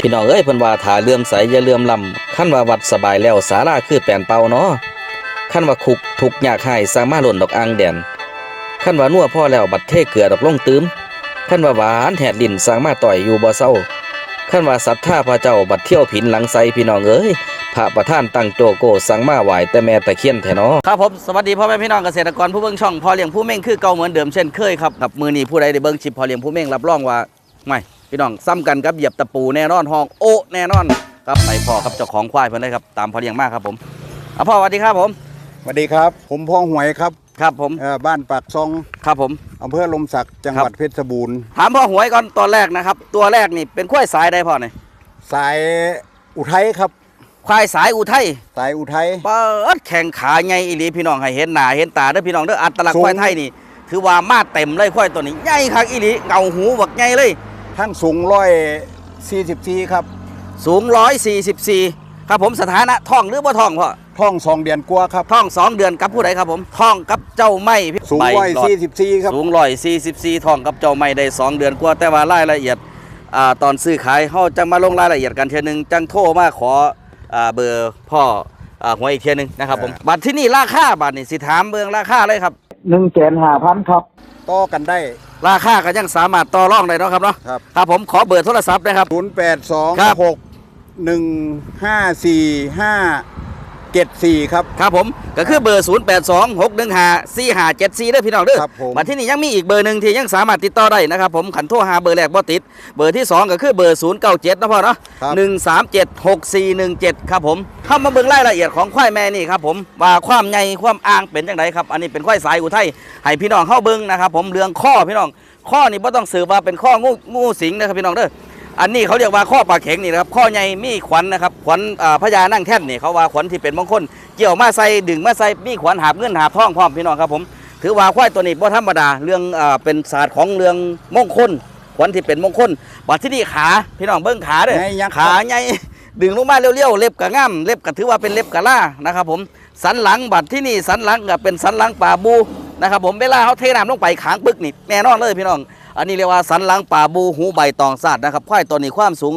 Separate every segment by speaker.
Speaker 1: พี่น้องเอ้ยเพิ่นว่าถ้าเลื่อมใสอย่าเลื่อมล้ำคันว่าวัดสบายแล้วศาลาคือแป้นเป่าเนาะคันว่าคุกทุกข์ยากหายสามารถหล่นดอกอ่างแดนคันว่านัวพอแล้วบัดเทเกลือดอกลงตื้มคันว่าหวานแหดลิ้นสามารถต่อยอยู่บ่เศร้าคันว่าศรัทธาพระเจ้าบัดเที่ยวผินหลังไสพี่น้องเอ้ยพระประธานตั้งโจโกสั่งมาไหว้แต่แม่ตะเคียนแท้เนาะครับผมสวัสดีพ่อแม่พี่น้องเกษตรกรผู้เบิ่งช่องพ่อเลี้ยงผู้เม่งคือเก่าเหมือนเดิมเช่นเคยครับกับมื้อนี้ผู้ใดได้เบิ่งคลิปพ่อเลี้ยงผู้เม่งรับรองว่าไม่พี่น้องซ้ำกันกับเหยียบตะปูแน่นอนห้องโอ้แน่นอนครับไปพ่อครับเจ้าของควายเพิ่นเลยครับตามพ่อเลี้ยงมากครับผมพ่อสวัสดีครับผม
Speaker 2: สวัสดีครับผมพ่อหวยครับ
Speaker 1: ครับผม
Speaker 2: บ้านปากซอง
Speaker 1: ครับผม
Speaker 2: อำเภอลมศักดิ์จังหวัดเพชรบูรณ์
Speaker 1: ถามพ่อหวยก่อนตัวแรกนะครับตัวแรกนี่เป็นควายสายใดพ่อเนี่ย
Speaker 2: สายอุทัยครับ
Speaker 1: ควายสายอุทัย
Speaker 2: สายอุทัย
Speaker 1: เปิดแข่งขาใหญ่อีหลีพี่น้องให้เห็นหน้าเห็นตาเด้อพี่น้องเด้ออัตลักษณ์ควายไทยนี่ถือว่ามาเต็มเลยควายตัวนี้ใหญ่คักอีหลีเงาหูบักใหญ่เลย
Speaker 2: ทั้งสูง144ครับ
Speaker 1: สูง144ครับผมสถานะท้องหรือบ่ท้องพ่อ
Speaker 2: ท้อง2 เดือนกว่าครับ
Speaker 1: ท้อง2 เดือนกับผู้ใดครับผมท้องกับเจ้าไม่
Speaker 2: สูง144ครับ
Speaker 1: สูง144ท้องกับเจ้าไม่ได้2 เดือนกว่าแต่ว่ารายละเอียดตอนซื้อขายเฮาจังมาลงรายละเอียดกันเทื่อนึงจังโทรมาขอเบอร์พ่อหวยอีกเทื่อนึงนะครับผมบัตรที่นี่ราคาบัตรนี่สิถามเบิ่งราคาเลยครับ
Speaker 2: 1,500,000ครับต่อกันได้
Speaker 1: ราคาก็ยังสามารถต่อรองได้เนาะครับเนาะครับผมขอเบอร์โทรศัพท์นะครับ
Speaker 2: 0826145574ครับ
Speaker 1: ครับผมก็คือเบอร์0826154574เด้อพี่น้องเด้อบัดที่นี่ยังมีอีกเบอร์นึงที่ยังสามารถติดต่อได้นะครับผมขันโทรหาเบอร์แรกบ่ติดเบอร์ที่2ก็คือเบอร์097นะพ่อเนาะ1376417ครับผมเข้ามาเบิ่งรายละเอียดของควายแม่นี่ครับผมว่าความใหญ่ความอ่างเป็นจังไดครับอันนี้เป็นควายสายอุทัยให้พี่น้องเข้าเบิ่งนะครับผมเรื่องข้อพี่น้องข้อนี่บ่ต้องสืบว่าเป็นข้องูสิงนะครับพี่น้องเด้ออันนี้เขาเรียกว่าข้อปลาเข็งนี่นะครับข้อใหญ่มีขวัญนะครับขวัญพญานั่งแท่นนี่เขาว่าขวัญที่เป็นมงคลเกี่ยวมาใส่ดึงมาใส่มีขวัญหาบเงินหาบทองพร้อมพี่น้องครับผมถือว่าควายตัวนี้บ่ธรรมดาเรื่องเป็นศาสตร์ของเรื่องมงคลขวัญที่เป็นมงคลบัดที่นี่ขาพี่น้องเบิ้งขาเด้อขาใหญ่ดึงลงมาเลี้ยวๆเล็บกะง่ำเล็บกะถือว่าเป็นเล็บกะล่านะครับผมสันหลังบัดที่นี่สันหลังก็เป็นสันหลังป่าบูนะครับผมเวลาเขาเทน้ำลงไปขางปึกนี่แน่นอนเลยพี่น้องอันนี้เรียกว่าสันหลังป่าบูหูใบตองซาดนะครับควายตัวนี้ความสูง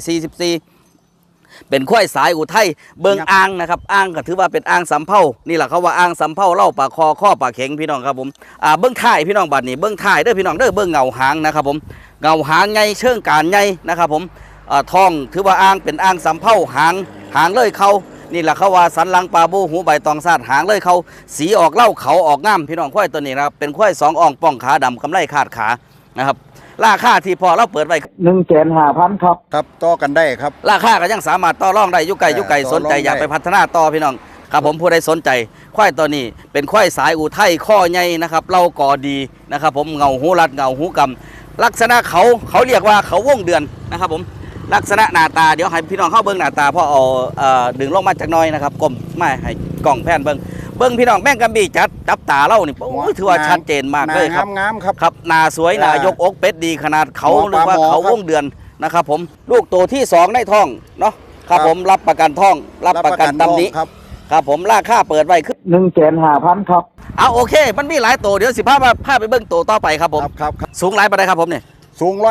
Speaker 1: 144เป็นควายสายอุทัยเบิงอ่างนะครับอ่างก็ถือว่าเป็นอ่างสำเภานี่แหละเขาว่าอ่างสำเภาเล่าปากคอข้อปากเข็งพี่น้องครับผมเบิ้งท้ายพี่น้องบัดนี้เบิ้งท้ายเด้อพี่น้องเด้อเบิ้งเงาหางนะครับผมเงาหางใหญ่เชิงการใหญ่นะครับผมท้องถือว่าอ่างเป็นอ่างสำเภาหางเลยเขานี่แหละเขาว่าสันหลังปลาบูหูใบตองซาดหางเลยเขาสีออกเล่าเขาออกง่ามพี่น้องควายตัวนี้นะครับเป็นควาย2 อ่องป้องขาดำกำไลขาดขานะครับราคาที่พอเราเปิดไว้
Speaker 2: 1,500,000ครับครับต่อกันได้ครับ
Speaker 1: ราคาก็ยังสามารถต่อรองได้ยุไก่สนใจอยากไปพัฒนาต่อพี่น้องครับผมผู้ใดสนใจควายตัวนี้เป็นควายสายอุทัยข้อใหญ่นะครับเล่าก่อดีนะครับผมเงาหูรัดเงาหูกำลักษณะเขาเรียกว่าเขาวงเดือนนะครับผมลักษณะหน้าตาเดี๋ยวให้พี่น้องเข้าเบิ้งหน้าตาพอเอาดึงลงมาจากน้อยนะครับกลมไม่ให้กล่องแผ่นเบิ้งพี่น้องแม่งกำบีจับตาเล่านี่โอ้ยถือว่าชัดเจนมากเลยครับ
Speaker 2: งามครับ
Speaker 1: ครับหน้าสวยหน้ายกอกเป็ดดีขนาดเขาหรือว่าเขาวงเดือนนะครับผมลูกตัวที่2ในท้องเนาะครับผมรับประกันท้องรับประกันตำนี้ครับผมราคาเปิดไว้คือ
Speaker 2: 1,500,000ครับ
Speaker 1: โอเคมันมีหลายตัวเดี๋ยวพาไปเบิ้งตัวต่อไปครับผม
Speaker 2: ครับ
Speaker 1: สูงหลายปานใดครับผมเนี่ย
Speaker 2: สูง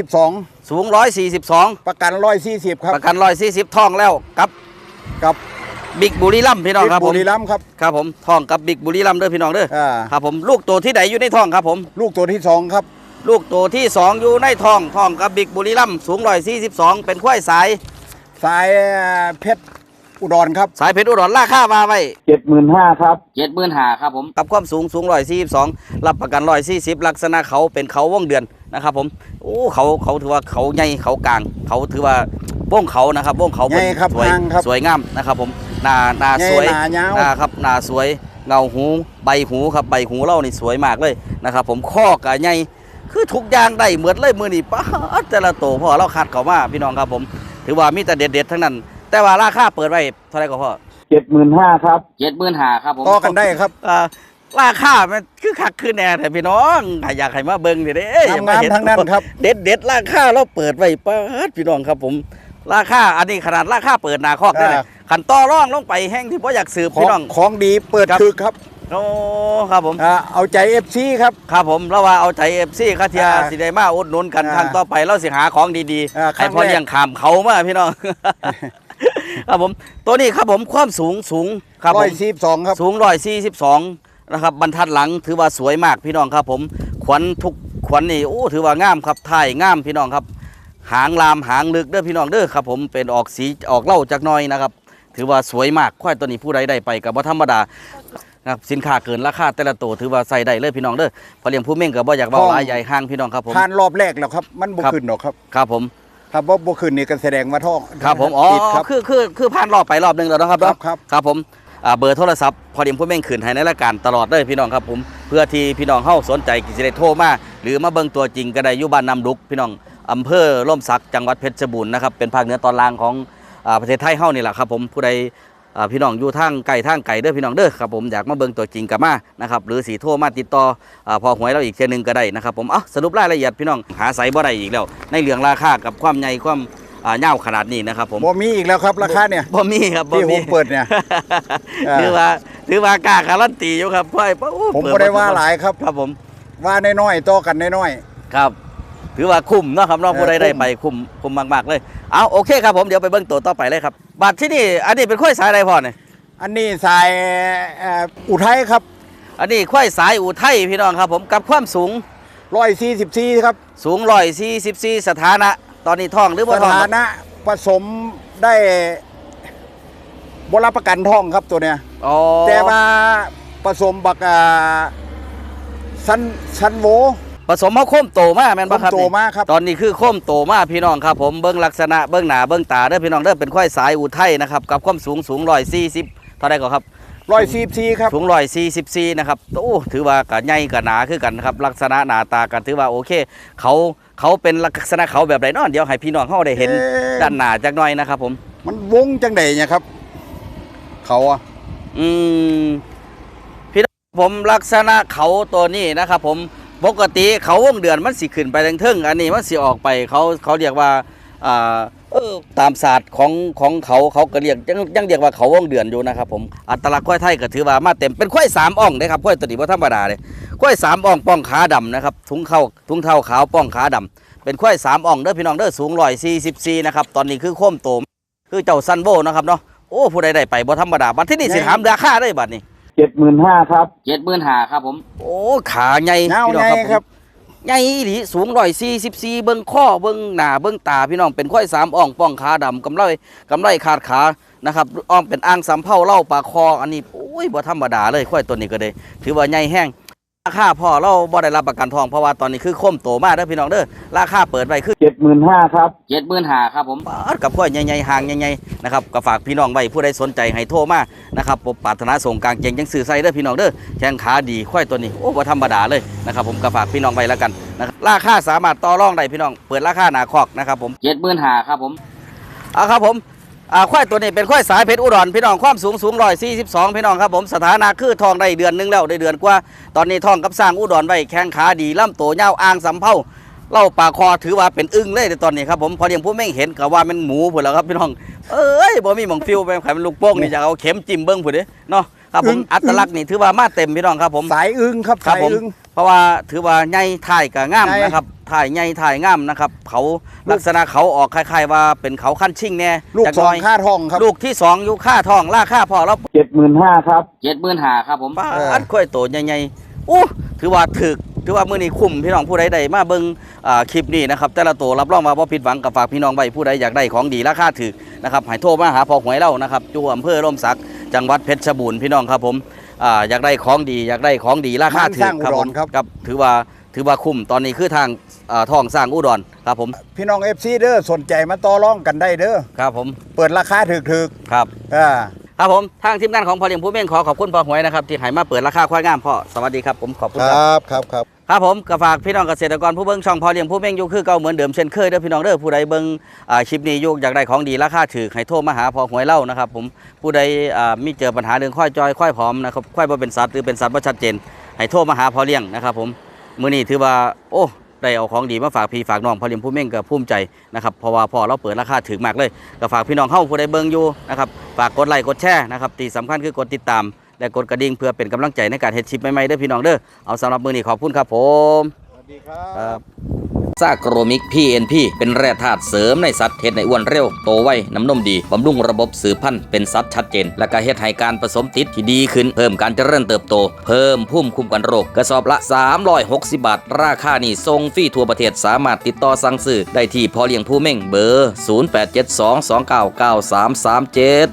Speaker 2: 142
Speaker 1: สูง142
Speaker 2: ประกัน140ครับ
Speaker 1: ประกัน140ท้องแล้วกับบิ๊กบุรีรัมย์พี่น้องครับผม
Speaker 2: บุรีรัมย์
Speaker 1: ครับผมท้องกับบิ๊กบุรีรัมย์เด้อพี่น้องเด้อครับผมลูกตัวที่ไหนอยู่ในท้องครับผม
Speaker 2: ลูกตัวที่2ครับ
Speaker 1: ลูกตัวที่2อยู่ในท้องกับบิ๊กบุรีรัมย์สูง142เป็นควายสาย
Speaker 2: เพชรอุดรครับ
Speaker 1: สายเพชรอุดรราคามาไว้
Speaker 2: 75,000ครับ
Speaker 1: 75,000ครับผมกับความสูง142รับประกัน140ลักษณะเขาเป็นเขาวงเดือนนะครับผมโอ้เขาถือว่าเขาใหญ่เขากลางเขาถือว่าวงเขานะครับวงเขาสวยงามนะครับผมหน้าสวยครับหน้าสวยเงาหูใบหูครับใบหูเล่านี่สวยมากเลยนะครับผมข้อกะใหญ่คือทุกอย่างได้เหมือนเลยมือนี่ป้าแต่ละโตพ่อเราคัดเขามาพี่น้องครับผมถือว่ามีแต่เด็ดทั้งนั้นแต่ว่าราคาเปิดไว้เท่าไหร่ก็พ่อ
Speaker 2: 75,000ครับ
Speaker 1: 75,000ครับผม
Speaker 2: ต่อกันได้ครับ
Speaker 1: ราคามันคือคักคือแน่แต่พี่น้องอยากให้มาเบิ่งเด้
Speaker 2: งามทั้งนั้นครับ
Speaker 1: เด็ดราคาเราเปิดไว้ป้าพี่น้องครับผมราคาอันนี้ขนาดราคาเปิดหนาคอกได้เลยขันต่อร่องลงไปแห้งที่พ่ออยากสืบพี่น้อง
Speaker 2: ของดีเปิดคือครับ
Speaker 1: โอ้ครับผม
Speaker 2: เอาใจ FC ครับ
Speaker 1: ครับผมเราว่าเอาใจ FC คาเทีย
Speaker 2: อ่า
Speaker 1: สิได้มาอุดหนุนกัน
Speaker 2: อ่า
Speaker 1: ครั้งต่อไปเราสิหาของดี
Speaker 2: ค
Speaker 1: ให้
Speaker 2: รั้ง
Speaker 1: พ่อ
Speaker 2: แรก
Speaker 1: เลี้ยงขามเขามาพี่น้อง ครับผมตัวนี้ครับผมความสูงครับผม
Speaker 2: 142ครับ
Speaker 1: สูง142นะครับบรรทัดหลังถือว่าสวยมากพี่น้องครับผมขวัญทุกขวัญนี่โอ้ถือว่างามครับท้ายงามพี่น้องครับหางลามหางลึกเด้อพี่น้องเด้อครับผมเป็นออกสีออกเหล้าจากหน้อยนะครับถือว่าสวยมากควายตัวนี้ผู้ใดได้ไปกับว่าธรรมดานะครับสินค้าเกินราคาแต่ละตัวถือว่าใส่ได้เลยพี่น้องเด้อพอเลี้ยงผู้เม่งกับบ่อยากเบาหลายใหญ่ห้างพี่น้องครับผม
Speaker 2: ผ่านรอบแรกแล้วครับมันบ่
Speaker 1: ครับ
Speaker 2: ขึ้นหรอกครับ
Speaker 1: ครับผม
Speaker 2: ถ้าบ่ขึ้นนี่ก็แสดงว่าท้อง
Speaker 1: ครับผมอ๋อ
Speaker 2: ติดครับ
Speaker 1: คือผ่านรอบไปรอบหนึงแล้วนะครับ
Speaker 2: ครับ
Speaker 1: เนาะ
Speaker 2: ครับ
Speaker 1: ครับผมเบอร์โทรศัพท์พอเลี้ยงผู้เม่งขืนให้ในรายการตลอดเลยพี่น้องครับผมเพื่อที่พี่น้องเฮาสนใจกิจได้โทรมาหรือมาเบิ่งตัวจริงก็ได้อยู่บ้านนำดุกพี่น้องอำเภอร่มสักจังหวัดเพชรบูรณ์นะครับเป็นภาคเหนือตอนล่างของประเทศไทยเฮานี่แหละครับผมผู้ใดพี่น้องอยู่ทางไกลเด้อพี่น้องเด้อครับผมอยากมาเบิ่งตัวจริงกับมานะครับหรือสีโทรมาติดต่อพอหวยเราอีกเทื่อนึงก็ได้นะครับผมสรุปรายละเอียดพี่น้องหาไสบ่ได้อีกแล้วในเรื่องราคากับความใหญ่ความยาวขนาดนี้นะครับผม
Speaker 2: บ่มีอีกแล้วครับราคาเนี่ย
Speaker 1: บ่มีครับบ่
Speaker 2: ที่ผ
Speaker 1: มี
Speaker 2: มเปิดเนี่ย
Speaker 1: ถือว่ากล้าการันตีอยู่ครับพ่อยโอ้
Speaker 2: ผม
Speaker 1: เปิ
Speaker 2: บ่ได้ว่าหลายครับ
Speaker 1: ครับผม
Speaker 2: ว่าน้อยๆต่อกันน้อย
Speaker 1: ครับ ถือว่าคุ้มเนาะครับน้องผู้ใดได้
Speaker 2: คุ้ม
Speaker 1: ไปคุ้มมากๆเลยเอาโอเคครับผมเดี๋ยวไปเบิ่งตัวต่อไปเลยครับบัตรที่นี่อันนี้เป็นข้อยสายอะไรพ่อเนี่ย
Speaker 2: ๆอันนี้สายอุทัยครับ
Speaker 1: อันนี้ข้อยสายอุทัยพี่น้องครับผมกับความสูง
Speaker 2: 144ครับ
Speaker 1: สูง144สถานะ ตอนนี้ท้องหรือ
Speaker 2: ส
Speaker 1: บ่ท้อง
Speaker 2: ถานะผสมได้บ่รับประกันท้องครับตัวเนี้ย
Speaker 1: อ๋อ
Speaker 2: แต่ว่าผสมบักซันโว
Speaker 1: ผสมเฮาโค้มโตมาแม่นบ่ครับ
Speaker 2: โต
Speaker 1: นี่
Speaker 2: มากครับ
Speaker 1: ตอนนี้คือโค้มโตมาพี่น้องครับผมเบิ้งลักษณะเบิ้งหน้าเบิ้งตาเด้อพี่น้องเด้อเป็นควายสายอุทัยนะครับกับความสูง140เท่าไรก็ครับ
Speaker 2: 144ครับ
Speaker 1: สูง144นะครับโอ้ถือว่ากะใหญ่กะหนาคือกันครับลักษณะหน้าตากันถือว่าโอเค เขาเป็นลักษณะเขาแบบไหนเนาะเดี๋ยวให้พี่น้องเขาได้เห็นด้านหน้าจักหน่อยนะครับผม
Speaker 2: มันวงจังไดเนี่ยครับ เขาอะ
Speaker 1: อืมพี่น้องผมลักษณะเขาตัวนี้นะครับผมปกติเขาวงเดือนมันสิขึ้นไปทางเทิงอันนี้มันสิออกไปเขาเรียกว่าตามศาสตร์ของเขาก็เรียกยังเรียกว่าเขาวงเดือนอยู่นะครับผมอัตลักษณ์ควายไทยก็ถือว่ามาเต็มเป็นควาย3อ่องนะครับควายตัวนี้บ่ธรรมดาเลยควาย3อ่องป้องขาดำนะครับถุงเท้าขาวป้องขาดำเป็นควาย3อ่องเด้อพี่น้องเด้อสูง144นะครับตอนนี้คือโค้มโตคือเจ้าซันโบนะครับเนาะโอ้ผู้ใดได้ไปบ่ธรรมดาบัดที่นี่สิถามราคาได้บัดนี้
Speaker 2: 75,000ครับ
Speaker 1: 75,000ครับผมโอ้ขาใหญ่
Speaker 2: เงา
Speaker 1: พี่น้อง
Speaker 2: ใหญ่ครับ
Speaker 1: ใหญ่อีหลีสูง144เบิ่งข้อเบิ่งหน้าเบิ่งตาพี่น้องเป็นควาย3อ่องป้องขาดำกำไรขาดขานะครับอ้อมเป็นอ่างสำเภาเล่าปากคออันนี้โอ้ยบ่ธรรมดาเลยควายตัวนี้ก็เลยถือว่าใหญ่แห้งราคาพ่อเราบ่ได้รับประกันทองเพราะว่าตอนนี้คือโค้มโตมากเด้อพี่น้องเด้อราคาเปิดไว้คือ
Speaker 2: 75,000ครับ
Speaker 1: 75,000ครับผมกับควายใหญ่ๆห่างใหญ่ๆนะครับก็ฝากพี่น้องไว้ผู้ใดสนใจให้โทรมานะครับผมปรารถนาส่งกลางเก่งยังสื่อใส่เด้อพี่น้องเด้อแข้งขาดีควายตัวนี้โอ้บ่ธรรมดาเลยนะครับผมก็ฝากพี่น้องไว้แล้วกันนะครับราคาสามารถต่อรองได้พี่น้องเปิดราคาหนาคอกนะครับผม75,000ครับผมครับผมควายตัวนี้เป็นควายสายเพชรอุดรพี่น้องความสูง142พี่น้องครับผมสถานะคือทองได้เดือนนึงแล้วได้เดือนกว่าตอนนี้ทองกับสร้างอุดรไว้แข้งขาดีล่ำโตยาวอ่างสำเภาเล่าปากคอถือว่าเป็นอึ้งเลยในตอนนี้ครับผมพอเลี้ยงผู้ไม่เห็นก็ว่ามันหมูพุ่นแล้วครับพี่น้องเอ้ยบ่มีหม่องฟิวไปขายมันลูกโป่งนี่จะเอาเข็มจิ้มเบิ้งพุ่นเด้เนาะครับผมอัตลักษณ์นี่ถือว่ามาเต็มพี่น้องครับผม
Speaker 2: สายอึ้งครับ
Speaker 1: ครับ
Speaker 2: สาย
Speaker 1: ผม
Speaker 2: อึ้ง
Speaker 1: เพราะว่าถือว่าใหญ่ถ่ายกับง่าม
Speaker 2: ใหญ่
Speaker 1: นะครับถ่ายใหญ่ถ่ายง่ามนะครับเขาลักษณะเขาออกคล้ายๆว่าเป็นเขาขั้นชิ่งแน่
Speaker 2: ลูก
Speaker 1: จั
Speaker 2: ส
Speaker 1: ห
Speaker 2: อ
Speaker 1: น่
Speaker 2: งค่าทองครับ
Speaker 1: ลูกที่2อยู่ค่าทองราคาพอแล้ว
Speaker 2: 75,000ครับ
Speaker 1: 75,000ครับผมอัดค่อยโตใหญ่ๆอู้ถือว่าถือว่ามื้อนี้คุ้มพี่น้องผู้ใดได้มาเบิ่งคลิปนี้นะครับแต่ละตัวรับรองว่าบ่ผิดหวังกับฝากพี่น้องไว้ผู้ใดอยากได้ของดีราคาถูกนะครับให้โทรมาหาพ่อหวยเรานะครับอยู่อำเภอร่มสักจังหวัดเพชรบูรณ์พี่น้องครับผมอยากได้ของดีราคาถูกครับผมครับถือว่าคุ้มตอนนี้คือทางทองสร้างอุดรครับผม
Speaker 2: พี่น้อง FC เด้อสนใจมาต่อรองกันได้เด้อ
Speaker 1: ครับผม
Speaker 2: เปิดราคาถูก
Speaker 1: ครับ
Speaker 2: ๆอ่า
Speaker 1: ครับผมทางทีมงานของพ่อเลี้ยงผู้เม่งขอบคุณพ่อหวยนะครับที่ให้มาเปิดราคาควายงามพ่อสวัสดีครับผมขอบคุณ
Speaker 2: ค
Speaker 1: ครับ
Speaker 2: รับครับครับ
Speaker 1: ครับผมก็ฝากพี่น้องเกษตรกรผู้เบิ่งช่องพ่อเลี้ยงผู้เม่งอยู่คือเก่าเหมือนเดิมเช่นเคยเด้อพี่น้องเด้อผู้ใดเบิ่งคลิปนี้อยู่อยากได้ของดีราคาถูกให้โทรมาหาพ่อหวยเล่านะครับผมผู้ใดมีเจอปัญหาเรื่องควายจอยควายผอมนะครับควายบ่เป็นสัตว์หรือเป็นสัตว์บ่ชัดเจนให้โทรมาหาพ่อเลี้ยงนะครับผมมื้อนี้ถือว่าโอ้ได้เอาของดีมาฝากพี่ฝากน้องพ่อเลี้ยงผู้เม่งก็ภูมิใจนะครับเพราะว่าพ่อเราเปิดราคาถูกมากเลยก็ฝากพี่น้องเฮาผู้ใดเบิ่งอยู่นะครับฝากกดไลค์กดแชร์นะครับที่สำคัญคือกดติดตามและกดกระดิ่งเพื่อเป็นกำลังใจในการเฮ็ดคลิปใหม่ๆเด้อพี่น้องเด้อเอาสำหรับมื้อนี้ขอบคุณครับผม
Speaker 2: สวัสดีครับ
Speaker 1: ซากโรมิก PNP เป็นแร่ธาตุเสริมในสัตว์เฮ็ดให้อ้วนเร็วโตไวน้ำนมดีบำรุงระบบสืบพันธุ์เป็นสัตว์ชัดเจนและก็เฮ็ดให้การผสมติดที่ดีขึ้นเพิ่มการเจริญเติบโตเพิ่มภูมิคุ้มกันโรคกระสอบละ360 บาทราคานี้ส่งฟรีทั่วประเทศสามารถติดต่อสั่งซื้อได้ที่พ่อเลี้ยงผู้เม่งเบอร์0872299337